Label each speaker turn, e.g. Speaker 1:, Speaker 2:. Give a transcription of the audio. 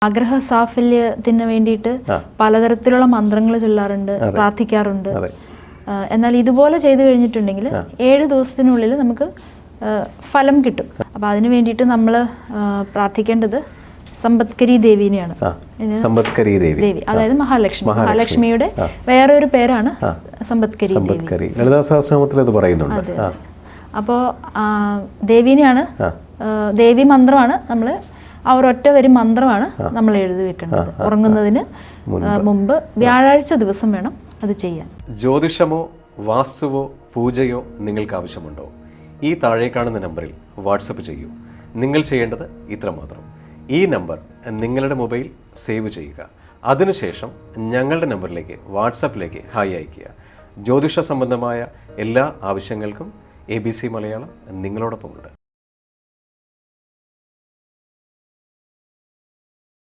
Speaker 1: ആഗ്രഹ സാഫല്യത്തിന് വേണ്ടിയിട്ട് പലതരത്തിലുള്ള മന്ത്രങ്ങൾ ചൊല്ലാറുണ്ട്, പ്രാർത്ഥിക്കാറുണ്ട്. എന്നാൽ ഇതുപോലെ ചെയ്തു കഴിഞ്ഞിട്ടുണ്ടെങ്കിൽ 7 ദിവസത്തിനുള്ളിൽ നമുക്ക് ഫലം കിട്ടും. അപ്പം അതിനു വേണ്ടിയിട്ട് നമ്മൾ പ്രാർത്ഥിക്കേണ്ടത് സമ്പത്കരി ദേവിനെയാണ്.
Speaker 2: സമ്പത്കരി ദേവി,
Speaker 1: അതായത് മഹാലക്ഷ്മിയുടെ വേറെ ഒരു പേരാണ് സമ്പത്കരി ദേവി.
Speaker 2: ലളിതാ സഹസ്രനാമത്തിൽ അത് പറയുന്നുണ്ട്.
Speaker 1: അപ്പോൾ ദേവീനെയാണ്, ദേവി മന്ത്രമാണ് നമ്മൾ ആ ഒരൊറ്റ വരി മന്ത്രമാണ് നമ്മൾ എഴുതി വെക്കേണ്ടത്. ഉറങ്ങുന്നതിന് മുമ്പ് വ്യാഴാഴ്ച ദിവസം വേണം അത് ചെയ്യാൻ.
Speaker 2: ജ്യോതിഷമോ വാസ്തുവോ പൂജയോ നിങ്ങൾക്ക് ആവശ്യമുണ്ടോ? ഈ താഴെ കാണുന്ന നമ്പറിൽ വാട്സപ്പ് ചെയ്യൂ. നിങ്ങൾ ചെയ്യേണ്ടത് ഇത്രമാത്രം: ഈ നമ്പർ നിങ്ങളുടെ മൊബൈൽ സേവ് ചെയ്യുക. അതിനുശേഷം ഞങ്ങളുടെ നമ്പറിലേക്ക് വാട്സപ്പിലേക്ക് ഹായ് അയയ്ക്കുക. ജ്യോതിഷ സംബന്ധമായ എല്ലാ ആവശ്യങ്ങൾക്കും ABC മലയാളം നിങ്ങളോടൊപ്പമുണ്ട്.